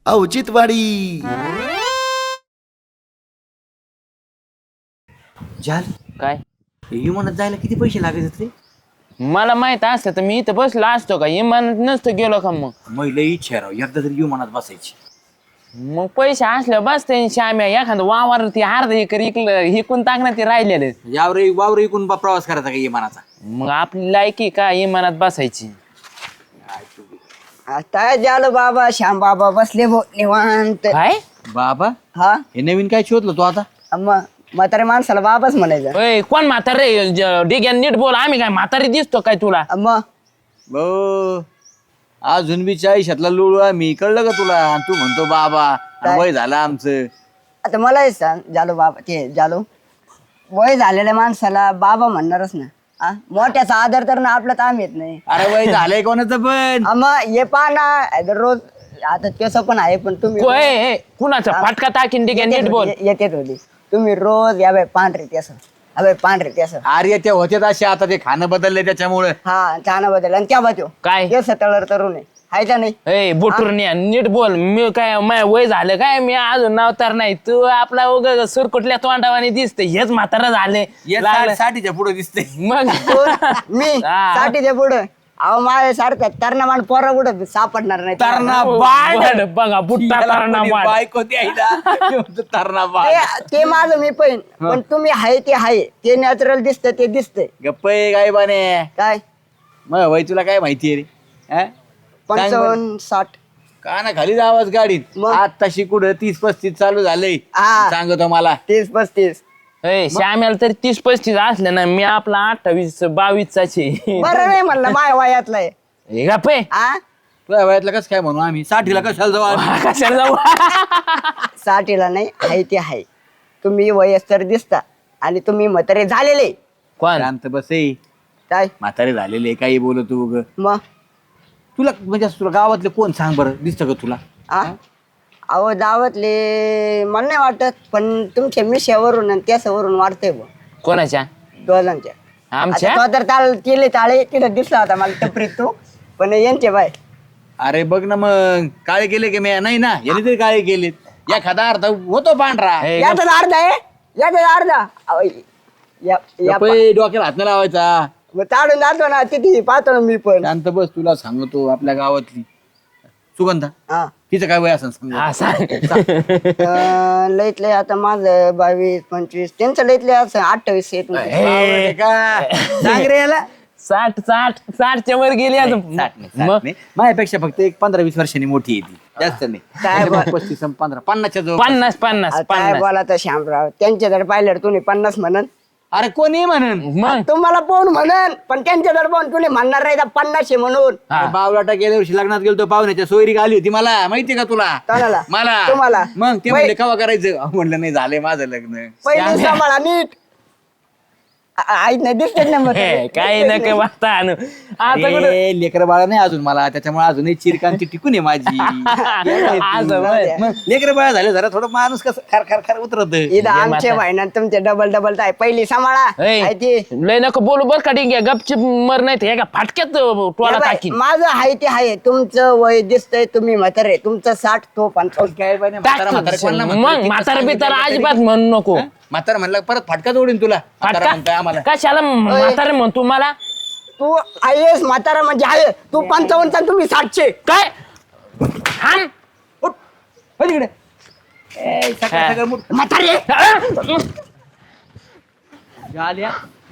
औचित्यवाडी. झाल काय विमानात जायला किती पैसे लागायचे रे? मला माहित असतं तर मी इथं बसलो असतो का इमानात नसतं गेलो का मग महिला इच्छा राव एकदा तरी विमानात बसायची. मग पैसे असले बसते श्याम्या एखादं वावर ती अर्ध एकर इकलं हिकून टाकणार ते राहिलेले वावर इकून प्रवास करायचा का विमानाचा? मग आपली लायकी का इमानात बसायची. आता झालं बाबा श्याम बाबा बसले भो निवांत. काय बाबा हा हे नवीन काय शोधलं तू आता? मग म्हातारे माणसाला बाबाच म्हणायचं. ओय कोण म्हातारे डिग्या नीट बोल आम्ही काय म्हातारी दिसतो काय तुला. मग भाऊ अजून बी 40तला लोळू आम्ही, कळलं का तुला? आणि तू म्हणतो बाबा आणि वय झालं आमचं. आता मला हे सांग जालो बाबा ते जालो वय झालेल्या माणसाला बाबा म्हणणारच ना. मोठ्याचा आदर तर ना आपला ताम येत नाही. अरे वय झालंय कोणाचं पण. मग हे पहा ना रोज आता तसं पण आहे पण तुम्ही कुणाचा फाटका टाकीन डिग्या नीट बोल. येतेच होती तुम्ही रोज या बाय पांढरे त्यास अबे पांढरे त्यास. अरे ते होते असे, आता ते खाणं बदलले त्याच्यामुळे. हा छान बदल आणि त्या बाजू काय केस तळर तरुण आहे हाय का नाही. ए बुटुरण्या नीट बोल. मी काय माझं वय झालं काय मी अजून नावतार नाही तू आपला उग सुरकुटल्या तोंडावानी दिसते हेच म्हातारा झाले लागलं. 60च्या पुढे दिसते. मग मी हा. साठीच्या पुढं अहो माझ्या सारखं तरणा मान पोरा कुठं सापडणार नाही. तरणा वाढ बघा बुट्टा करणा वाढ. बायको द्यायला तरणा बाळ. ते माझं मी पण तुम्ही हाय ते हाय ते नॅचरल दिसतं ते दिसतंय. गप्प आहे काय बाने? काय मग वय तुला काय माहितीये रे? हा? सांग बरं. 55-60 का ना खाली आवाज गाडीत मग? आताशी कुठं 30-35 चालू झालंय. हा. सांगतो मला 30-35 ए श्याम्याला तरी 30-35 असले ना मी आपला 28-22चा बरं नाही म्हणलं माय वयातलं आहे. गप्पे आ तुझ्या वयातलं कसं काय म्हणू आम्ही? 60ला कशाला जाऊ आम्ही? कशाला जाऊ 60ला नाही हाय ते हाय. तुम्ही वयस्कर दिसता आणि तुम्ही म्हातारे झालेले. कोण शांत बसे. काय म्हातारे झालेले काही बोलत तू उग. मग तुला म्हणजे असं तुला गावातले कोण सांग बरं दिसतं का तुला? आ अहो दावतले मला नाही वाटत पण तुमच्या मिश्यावरून आणि त्याच्यावरून वाढतंय बुवा कोणाच्या दोघांच्या. आमच्या आता तो तर ताळ केले ताळे तिथं दिसला होता मला टपरीत तो पण यांचे बाय अरे बघ ना मग काळे केले की मी नाही ना याने तरी काळे केलेत एखादा अर्थ होतो पांढरा. ए, यातच अर्धा आहे यातच अर्धा अहो, गप्पे, डोक्याला हात नाही लावायचा. मग ताडून जातो ना तिथे पाहतो ना मी पण. शांत बस तुला सांगतो आपल्या गावातली सुगंधा हा तिचं काय वय असं सांग. हा सांग लईत लय आता माझं 22-25 त्यांचं लईत लय असं 28 येत नाही. ए, सांग रे याला. 60 वर गेली अजून. मग माझ्यापेक्षा फक्त एक 15-20 वर्षांनी मोठी येते जास्त नाही. काय बा- 35-50 50च्या जवळ. 50 आता काय बोला तर श्यामराव त्यांच्याकडे पाहिलं तर तुम्ही 50 म्हणन अरे कोणी म्हणन मग तुम्हाला पाहून म्हणन पण त्यांच्याकडे पाहून तुम्ही म्हणणार नाही 50 म्हणून. हा. बावलाटा गेल्या वर्षी लग्नात गेलो पाहुण्याच्या सोयरी आली होती मला माहितीये का तुला? कोणाला? मला तुम्हाला? मग ते वै- म्हणले कवा करायचं म्हणलं नाही झालंय माझं लग्न. पहिली सांभाळा नीट ऐक नाही दिसत ना मग हे, काही नका वाटता आणू आता कुठं लेकर बाळा नाही अजून मला त्याच्यामुळे अजूनही चिरकांची टिकून आहे माझी. असं होय. मग लेकर बाळा झाले जरा थोडं माणूस कसं खर खर खर उतरत. इथं आमचे भाईना तुमचे डबल डबल काय पहिली सांभाळा ए, आहे ती. लय नको बोलू बर का डिंग्या गपचिप मर नाही ते का फाटक्यात टोळा हे बाई, टाकीन माझं हाय ते हाय तुमचं वय दिसतंय तुम्ही म्हातारे तुमचं 60 तो 55. काय बाई म्हातारा म्हातारा कोणाला म्हणतात? मग म्हातारा बितारा अजिबात म्हणू नको म्हातारा म्हणलं परत फाटका जोडीन तुला. म्हातारा म्हणतोय आम्हाला. कशाला म्हातारे म्हणतो मला तू आहेस म्हातारा म्हणजे आहे तू 55 आणि तुम्ही 60 काय हाण. उठ, हो तिकडे. ए, सकाळ सकाळ मुठ. म्हातारे झाल्या.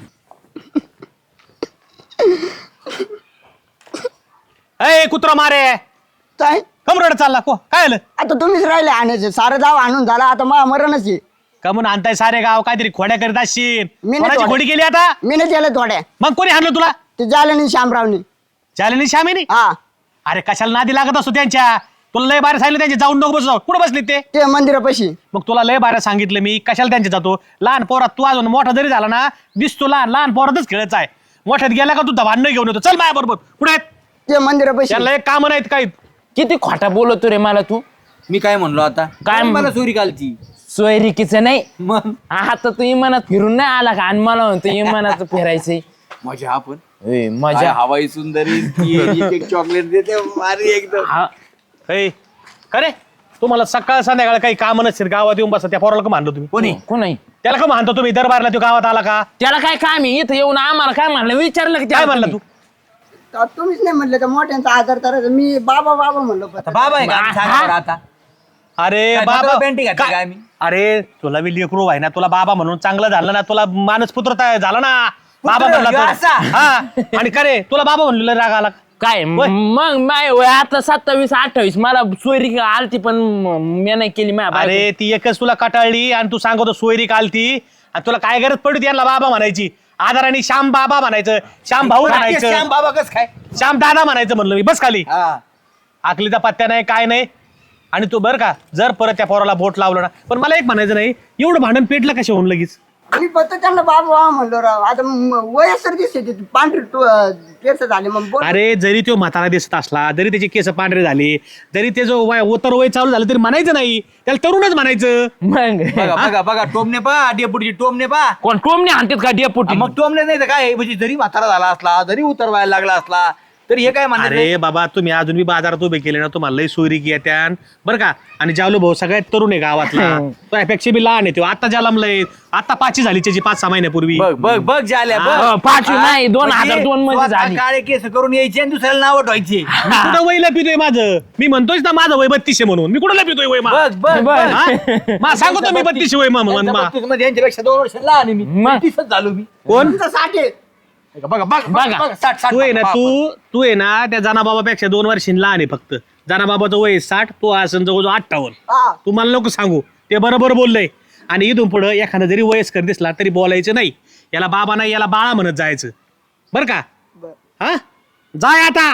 ए कुत्रा मारे काय कमरड चालला को काय आलं आता तुम्हीच राहिले आणायचे सारं जाव आणून झाला आता मला मरणच आहे. का म्हणून आणताय सारे गाव काहीतरी खोड्या करीत असशील मी नाही कोणाची खोड्या. खोडी केली आता मी नाही केलं थोड्या मग कोणी हाणलं तुला ते झालं नाही श्यामरावनी. चालेल श्यामीनी हा अरे कशाला नादी लागत असतो त्यांच्या तुला लय बाहेर सांगितलं त्यांचे जाऊन नको बसू कुठं बसले ते ते मंदिरापाशी. मग तुला लय बाहेर सांगितलं मी कशाला त्यांचे जातो लहान पोरात तू अजून मोठा जरी झाला ना दिसतो लहान लहान पोरातच खेळायचा आहे मोठ्यात गेला का तू भांडण घेऊन येतो चल माझ्या बरोबर कुठे आहेत ते मंदिरापाशी त्यांना एक काम नाहीत काही किती खोटा बोलतो रे मला तू मी काय म्हणलो आता काय मला चोरी कालची सोयरिकीचं नाही मग आता तू इमानात फिरून नाही आला का आणि मला म्हणतो इमानात फिरायचंय मजा आपण मजा हवाई सुंदरी ती एक एक चॉकलेट देते भारी एकदम. हा ए, खरे तुम्हाला सकाळ संध्याकाळ काही काम नसेल गावात येऊन बसा त्या पोराला का मानलो तुम्ही कोणी कोणी त्याला का मानतो तुम्ही दरबारला तो गावात आला का त्याला काय काम आहे इथं येऊन आम्हाला काय म्हणलं विचारलं की काय त्याला म्हणला तुम्ही? तू तर तुम्हीच नाही म्हणले तर मोठ्यांचा आदर करायचा मी बाबा बाबा म्हणलो फक्त. बाबा आहे का आम्ही सांगा बरं आता अरे काय बाबा डोक्याला पेंटिंग घातली काय- काय आम्ही? अरे तुला बी लेकरू आहे ना तुला बाबा म्हणून चांगलं झालं ना तुला मानस पुत्र झाला ना बाबा म्हणला ह्यो तर. असा? हा आणि का रे तुला बाबा म्हणलेलं राग आला काय मग माय वय आता 27-28 मला सोयरी आलती पण मी नाही केली माझ्या अरे ती एकच तुला कटाळली आणि तू सांगतो सोयरी कालती आणि तुला काय गरज पडली यांना बाबा म्हणायची आदराने श्याम बाबा म्हणायचं श्याम भाऊ श्याम म्हणायचं बाबा कस काय श्याम दादा म्हणायचं म्हणलं मी बस खाली हा आकलीचा पत्त्या नाही काय नाही आणि तू बरं का जर परत त्या पोराला बोट लावलं ना पण मला एक म्हणायचं नाही एवढं भांडण पेटलं कशा होऊन लगेच मी फक्त त्यांना बाबा बाबा म्हणलो राव आता वयस्कर दिसते ती पांढरी केस झाले मग बोल. अरे जरी तो म्हातारा दिसत असला जरी त्याचे केस पांढरे झाले जरी ते जो उतर वय चालू झालं तरी म्हणायचं नाही त्याला तरुणच म्हणायचं मग बघा टोमने पा डेपुटीची टोमने पा कोण टोमने आणतात का डेपुटी मग टोमने नाही तर काय म्हणजे जरी म्हातारा झाला असला जरी उतरवायला लागला असला तरी हे काय म्हणणार अरे बाबा तुम्ही अजून बी बाजारात उभे केले ना तुम्हाला लई सोयरी की त्यान बरं का आणि जावलो भाऊ सगळ्यात तरुण आहे गावातला तो यापेक्षा बी लहान आहे तो आता जन्मलंय आता 5 झाली त्याची 5-6 महिन्यापूर्वी बघ झाल्या हा, पाचवी नाही, 2002 मध्ये झाली. काळे केस करून यायचे आणि दुसऱ्याला नाव ठेवायचे मी कुठं वय लपितोय माझं मी म्हणतोय ना माझं वय 32 म्हणून मी कुठं लपितोय वय सांगतो मी 32 वय म्हणून यांच्यापेक्षा 2 वर्ष लहान आहे मी मग? 30च झालो मी कोण तुमचं 60 आहे. बघा 60 तू आहे ना तू आहे ना त्या जनाबाबापेक्षा 2 वर्षींनी लहान आहे फक्त जनाबाबाचं वय 60 तो असं जवळजवळ 58 हा. तू मला नको सांगू ते बरोबर बोललंय आणि इथून पुढं एखादा जरी वयस्कर दिसला तरी बोलायचं नाही याला बाबा नाही याला बाळा म्हणत जायचं बरं का हा जाय आता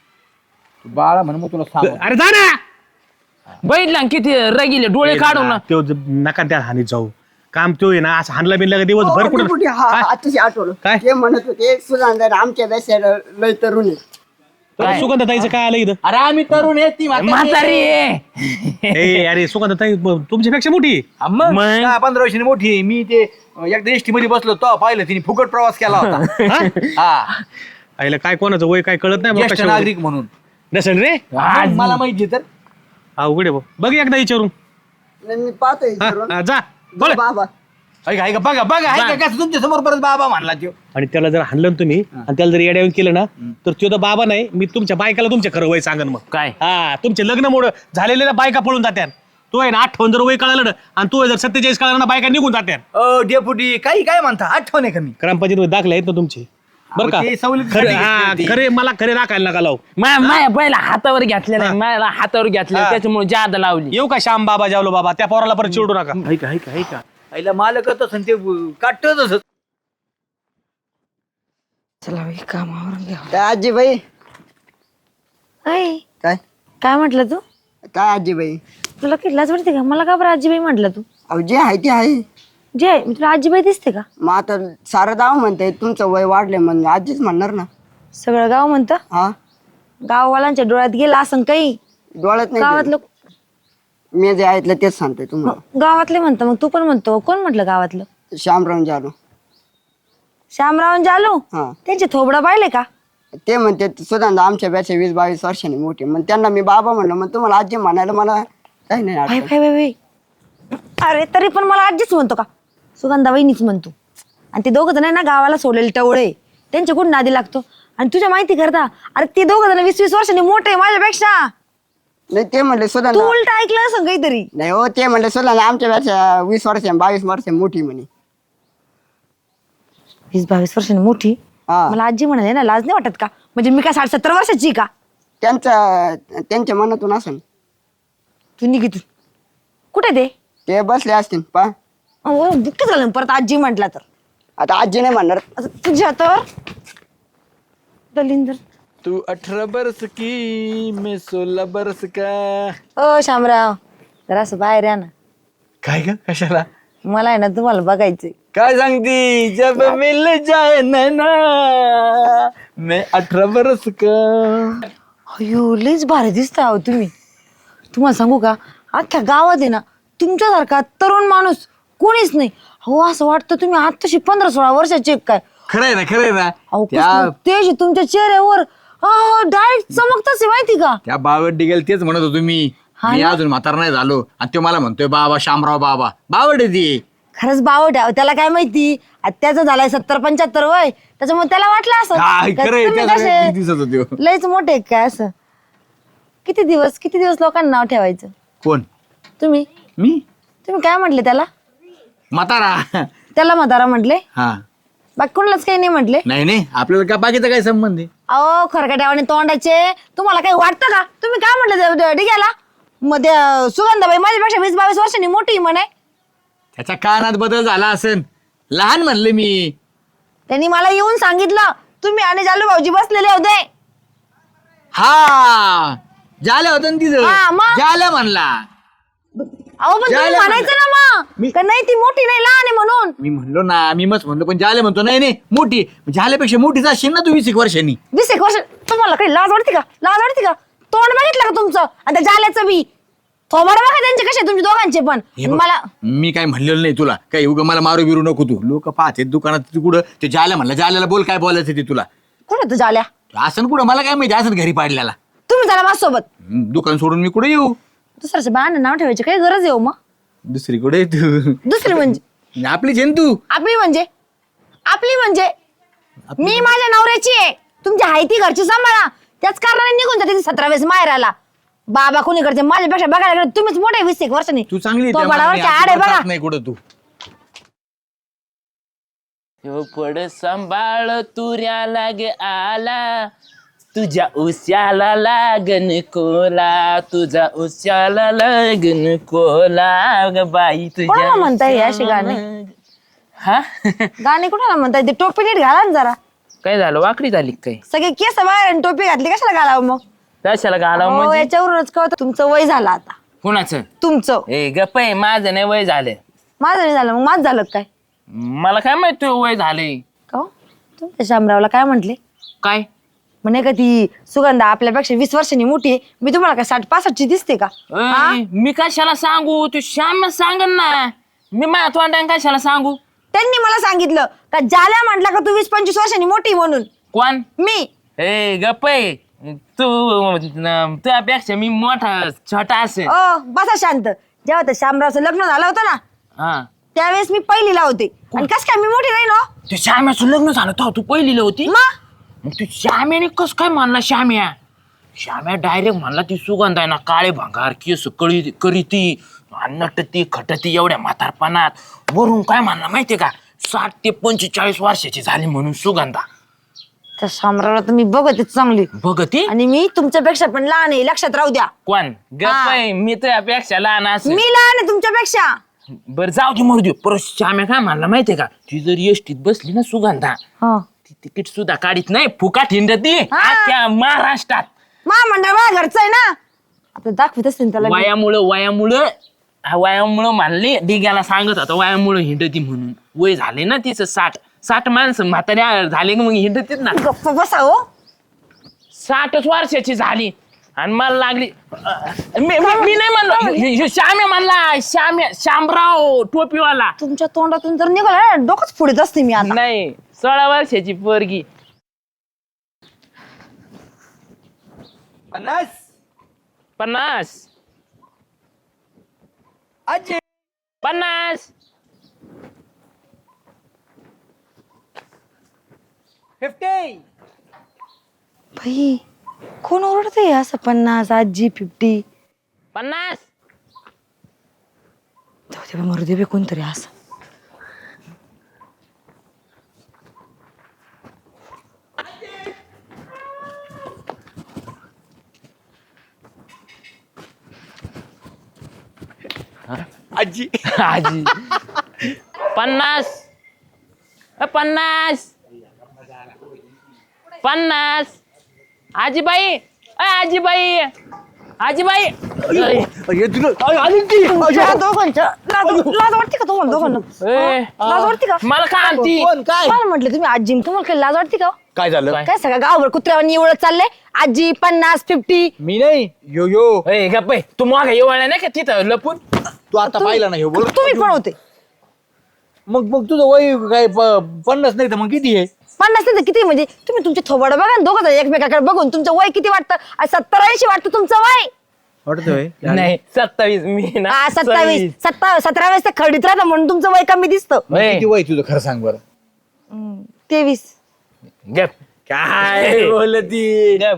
बाळा म्हणून मग तुला सांग अरे जा ना बैठला ना किती रगिले डोळे काढून ना. तो नका त्या हानीत जाऊ काम तो आहे ना असं हाणला बिनला का दिवस भर कुठं डेपुटी, हा आताशी आठवलं काय? ते म्हणत होते सुधांदर आमच्या देशाला लय तरुण आहे सुगंधताईचं काय आलं इथं अरे आम्ही तरुण आहे ती म्हातारी आहे. ए अरे सुगंधताई तुमच्यापेक्षा मोठी मग? 15 वर्षांनी मोठी आहे. मी ते एकदा एसटी मध्ये बसलो तो पाहिलं तिने फुकट प्रवास केला होता हा? हा आईला काय कोणाचं वय काय कळत नाही ज्येष्ठ बघ नागरिक म्हणून नसेल रे मग मला माहिती तर अवघड आहे भाऊ बघ एकदा विचारून नाही, मी पाहतोय हा, विचारून. हा, जा बोल बाबा ऐका बघा कसं तुमच्या समोर परत बाबा म्हणला त्यो आणि त्याला जर हाणलं ना तुम्ही आणि त्याला जर येड्यावून केलं ना तर तो तर बाबा नाही मी तुमच्या बायकाला तुमच्या खरं वय सांगन मग काय हा तुमचे लग्न मोड झालेल्या बायका पळून जात्यान तो आहे ना 58 जर वय कळालं ना आणि तू जर 47 कळालं ना बायका निघून जात्यान डेपुटी काही काय म्हणता आठवण आहे का मी ग्रामपंचायत दाखले आहेत ना तुमचे बरं का अहो, ते सवलतीसाठी खरे हा घेतली होती. खरे मला खरे राखायला नका लावू माया पहिला हातावर घेतलेला आहे. मला हातावर घेतलेला त्याच्यामुळे जादा लावली येऊ का श्याम बाबा जावलो बाबा त्या पोराला परत चिडू नका ऐका आईला मालक तसं ते काटत तसं चला बाई कामावरून घ्या काय आजीबाई अय काय काय म्हटलं तू काय आजीबाई तुला किडलाच वाटते का मला का बरं आजीबाई म्हटलं तू अहो जे आहे ते आहे जे मी तुला आजीबाई दिसते का मग आता सारं गाव म्हणतंय तुमचं वय वाढलंय म्हणजे आजीच म्हणणार ना सगळं गाव म्हणतं हा गाववाल्यांच्या डोळ्यात गेला असं काही डोळ्यात नाही गावातलं मी जे ऐकलं तेच सांगतोय तुम्हाला गावातले म्हणतं मग तू पण म्हणतो कोण म्हटलं गावातलं श्यामराव जालो श्यामराव जालू हा त्यांचे थोबडं पाहिले का ते म्हणते सुधांदा आमच्या बॅच्या 20-22 वर्षांनी मोठी मग त्यांना मी बाबा म्हणलं मग तुम्हाला आजी म्हणायला मला काही नाही भाई अडचण. भाई भाई भाई. अरे तरी पण मला आजीच म्हणतो का सुगंधा वहिनीच म्हणतो आणि ते दोघं जण आहे ना गावाला सोडलेले टवळे त्यांच्या कुठं नादी लागतो आणि तुझ्या माहिती करता अरे ते दोघं जण 20-20 वर्षांनी मोठे माझ्यापेक्षा नाही ते म्हणले तू सुधांदा उलट ऐकलं असं काहीतरी नाही हो ते म्हणले सुधांदा आमच्या बॅच्या 20 वर्ष 22 वर्ष मोठी म्हणे 20-22 वर्षांनी मोठी हा. मला आजी म्हणाले ना लाज नाही वाटत का म्हणजे मी काय 60-70 वर्षाची आहे का त्यांच्या मनातून असेल तू निघितून कुठे ते बसले असतील पा ते बुक्की झालं परत आजी म्हटला तर आता आजी नाही म्हणणार आता तुझ्या तर दलिंदर तू 18 बरस की मैं 16 बरस का ओ शामराव जरा असं बाहेर या ना काय ग कशाला मला आहे ना तुम्हाला बघायचंय काय सांगती जब मिल जाए नैना मैं 18 बरस का अयो लईच भारी दिसता अहो तुम्ही तुम्हाला सांगू का अख्ख्या गावात आहे ना तुमच्यासारखा तरुण माणूस कोणीच नाही हो असं वाटतं तुम्ही आत्ताशी 15-16 वर्षाचे काय खरंय ना अहो त्या कसलं तेज तुमच्या चेहऱ्यावर डायरेक्ट चमकताच आहे माहिती का त्या बावट डिगेल तेच म्हणत होतो मी मी अजून म्हातारा नाही झालो आणि तो मला म्हणतोय बाबा शामराव बाबा बावड आहे ती. खरंच बावट आहे. त्याला काय माहिती त्याचं झालंय 70-75 वय, त्याच्यामुळे त्याला वाटलं असं काय का खरंय, तुम्ही त्याचं कसे किती दिसत होते हो. लयच मोठे आहेत काय असं. किती दिवस लोकांना नाव ठेवायचं. कोण तुम्ही मी काय म्हटले त्याला? म्हातारा. त्याला म्हातारा म्हटले, हा बाकी कोणालाच काही नाही म्हटले. नाही आपल्याला का बाकीचा काय संबंध आहे. अहो खरकट्यावाने तोंडाचे, तुम्हाला काही वाटतं का? तुम्ही काय म्हटलं डिग्याला मध्ये सुगंधाबाई माझ्यापेक्षा 20-22 वर्षांनी मोठी म्हणे. त्याच्या कानात बदल झाला असेल, लहान म्हणले मी. त्यांनी मला येऊन सांगितलं तुम्ही आणि जालू भाऊजी बसलेले होते. हा झालं होतं ना हा, तिथं मग? झालं म्हणला. अहो पण तुम्ही जायला म्हणायचं ना मग मी- का नाही ती मोठी नाही लहान आहे म्हणून. मी म्हणलो ना, मी मच म्हणलो, पण झाले म्हणतो नाही मोठी. झाल्यापेक्षा मोठीच असेल ना तू 20 वर्षांनी. 20 वर्ष तुम्हाला काही लाज वाटते का? तोंड बघितलं का तुमचं? आणि त्या जाल्याचं बी थोबाड बघा त्यांचे कसे तुमच्या दोघांचे पण. हे बघ, मला मी काय म्हणलेलं नाही तुला, काय उगा मला मारू बिरू नको तू. लोक पाहते दुकानात कुठं ते जाल्या म्हणलं, जाल्याला बोल काय बोलायचं ते तुला. कोण होतं जाल्या? असं कुठं मला काय माहिती, असं घरी पाडल्याला. तुम्ही झाला माझ्यासोबत. दुकान सोडून मी कुठे येऊ. दुसऱ्याच्या बाळांना नाव ठेवायची काही गरज येऊ मग. दुसरी कुठे तू दुसरी म्हणजे आपली जेन तू. आपली म्हणजे मी माझ्या नवऱ्याची आहे. तुमची हाय ती घरची सांभाळा. त्याच कारणाने निघून जाते 17 वेळेस माहेराला. बाबा कोणी करते माझ्यापेक्षा बघायला गेलं तुम्हीच मोठे 20 वर्षांनी. तू चांगली आहे, तो त्या बडावर मानाने आड आहे अजिबात बघा. खात नाही कुठं तू. पड सांभाळ तुऱ्या लागे आला, तुझ्या उश्याला लागन कोला, तुझ्या उश्याला लागन कोला ग बाई तुझ्या. कोणाला म्हणताय हे अशी गाणी? हा गाणे कुणाला म्हणताय? ते टोपी नीट घाला ना जरा. काय झालं, वाकडी झाली काय? सगळे केस बाहेर आणि टोपी घातली कशाला घालावं मग? कशाला घालावं हो, म्हणजे? याच्यावरूनच कळतं तुमचं वय झालं आता. कुणाचं? तुमचं. ए गप्प आहे, माझं नाही वय झालं. माझं नाही झालं मग माझं झालं काय? मला काय माहित तुझं वय झालंय. का हो? तुमच्या शामरावला काय म्हंटले? काय म्हणे का ती सुगंधा आपल्यापेक्षा 20 वर्षांनी मोठी आहे. मी तुम्हाला काय 60-65 ची दिसते का? हा? मी कशाला सांगू? तू श्याम सांगन ना. मी माझ्या तोंडाने कशाला सांगू? त्यांनी मला सांगितलं का जाल्या म्हटलं का तू 20-25 वर्षांनी मोठी म्हणून. कोण? मी. ए गप्प आहे. तुझ्यापेक्षा मी मोठा छोटा असेल. बसा शांत. जेव्हा त्या शामरावचं लग्न झालं होतं ना हा त्यावेळेस मी पहिलीला होते. आणि कस काय मी मोठी नाही ना? ते श्याम्याचं लग्न झालं तेव्हा तू पहिलीला होती. मग तू श्याम्याने कस काय म्हणला? श्याम्या डायरेक्ट म्हणला ती सुगंध आहे ना काळे भांगार केस करीती नटती खटती एवढ्या म्हातारपणात. वरून काय म्हणला माहितीये का? 60 ते 45 वर्षाची झाली म्हणून सुगंधा. त्या शामरावला तर मी बघते चांगली. बघती आणि मी तुमच्यापेक्षा पण लहान आहे, लक्षात राहू द्या. कोण? गप्प आहे, मी तुझ्यापेक्षा लहान असेल. मी लहान आहे तुमच्यापेक्षा. बरं जाऊ दे मरू दे. परत श्याम्या काय म्हणला माहितीये का? ती जर एसटीत बसली ना सुगंधा, ती तिकीट सुद्धा काढीत नाही, फुकाट हिंडती त्या महाराष्ट्रात. महामंडळ माझ्या घरचं आहे ना. आता दाखवत असते त्याला मी. वयामुळं म्हणले डिग्याला सांगत होता वयामुळं हिंडती म्हणून. वय झाले ना तिचं 60 माणसं म्हाताऱ्या झाले ना मग हिंडतीत ना. गप्प बसा हो. 60 वर्षाची झाली आणि मला लागली. मी नाही म्हणलो, श्याम्या म्हणला. शामराव टोपीवाला. तुमच्या तोंडातून जर निघाला डोकंच फोडीत असते मी आता. नाही 16 वर्षाची पोरगी. 50 50 भाई कोण ओरडत आहे असं? 50 आजी 50. 50 जाऊ दे बा, मरू दे बे कोणतरी असं. आजी आजी 50 आजीबाई आजीबाई तुमच्या दोघांच्या लाज वाटते का तुम्हाला दोघांना? लाज वाटते का? मला काय आणती? मला म्हटलं तुम्ही आजी, तुम्हाला काही लाज वाटते का? काय झालं? काय? काय सगळं गावभर कुत्र्यावानी एवढं चाललंय. आजी 50-50. मी नाही यो गप्प तू माग येवळला नाही का तिथं लपून? तू आता पाहिला नाही बोल. तुम्ही पण होते. मग तुझं वय काय 50 नाही तर मग किती आहे? 50 नाही तर किती म्हणजे? तुम्ही तुमचे थोबाड बघा ना दोघं एकमेकाकडे बघून तुमचं वय किती वाटतं? 70-80 वाटतं तुमचं वय. वाटतोय नाही 27 मी ना हा 27 17 तर खडीत राहता म्हणून तुमचं वय कमी दिसतं. किती वय तुझं खरं सांग बरं. 23 गप काय बोलती. गप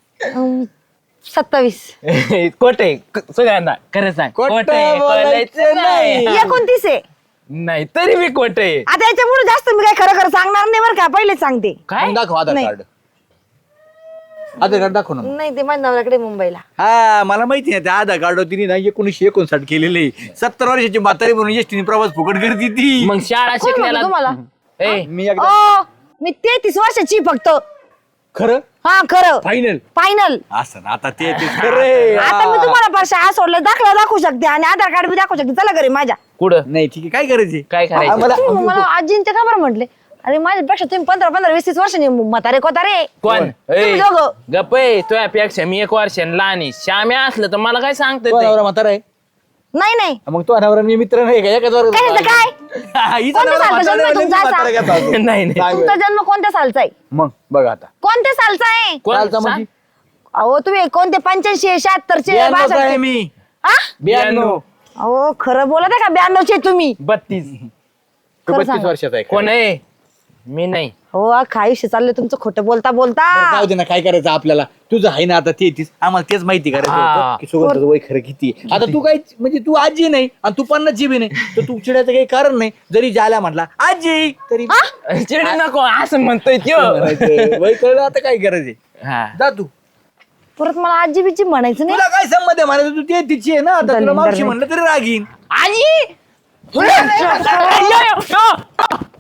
27 कोटे सुगंधा खरं सांग खोटं कोटे बोलायचं नाही. 29 आहे. नाही तरी मी कोटे आता याच्या पुढे जास्त मी काय खरं खरं सांगणार नाही बरं का, पहिलेच सांगते. काय मग दाखव आधार नाही. कार्ड. आधार कार्ड दाखव ना. नाही ते माझ्या नवऱ्याकडे मुंबईला. हा मला माहिती आहे त्या आधार कार्ड तिने ना 1959 केलेले 70 वर्षाची म्हातारी म्हणून एसटीने प्रवास फुकट करते ती. मग शाळा कोण म्हणलं शिकलेला तुम्हाला? ए मी एकदा ओ मी 33 वर्षाची फक्त. खरं हा खरं फायनल फायनल. असं ना आता ते खरं आता मी तुम्हाला पण शाळा सोडलं दाखला दाखवू शकते आणि आधार कार्ड बी दाखवू शकते. चला घरी माझ्या. कुठं नाही ठीक आहे काय करायचे काय करायचं? तुम्ही मला आजींचे का बरं म्हटले? अरे माझ्यापेक्षा तुम्ही 15 20 वर्षांनी म्हातारे कोतारे. कोण तुम्ही दोघं. गप तुझ्यापेक्षा मी 1 वर्षाने लहान आहे. श्याम्या असलं तर मला काय सांगत नवरा म्हातारा आहे नाही नाही मग तो नवरा मी मित्र नाही का एकाच वर्गात काय होतो. काय हा, हिचा कोणत्या नवरा सालचा म्हातारा जन्म आहे, तुमचा मी म्हातारा असा? घेत होतो. नाही नाही सांग तुमचा बरं. जन्म कोणत्या सालचा आहे? मग बघ आता कोणत्या सालचा आहे? कोण चालतं सांग? म्हणजे अहो तुम्ही कोणते 85 76 92 आहे 62 मी हा? 92 अहो खरं बोलत आहे का 92 चे तुम्ही? 32 खरं 32 सांगा. वर्षाचा आहे कोण आहे मी नाही हो अख्खं आयुष्य चाललंय तुमचं खोटं बोलता बोलता. बरं, जाऊ दे ना काय करायचं आपल्याला. तुझं आहे ना आता 33 आम्हाला तेच माहिती करायचं हा. होतं की सुगंधाचं वय खरं किती आहे. आता तू काय म्हणजे तू आजी नाही आणि तू 50 जी बी नाही तर तू चिडायचं काही कारण नाही. जरी जायला म्हटला आजी तरी चिड नको असं म्हणतोय त्यो म्हणायचं. वय कळलं आता काय करायचे. हा जा तू. परत मला आजी बिजी म्हणायचं नाही. तुला काय संमत आहे म्हणायचं तू 33 आहे ना आता तुला मावशी म्हणलं तरी रागीन. आजी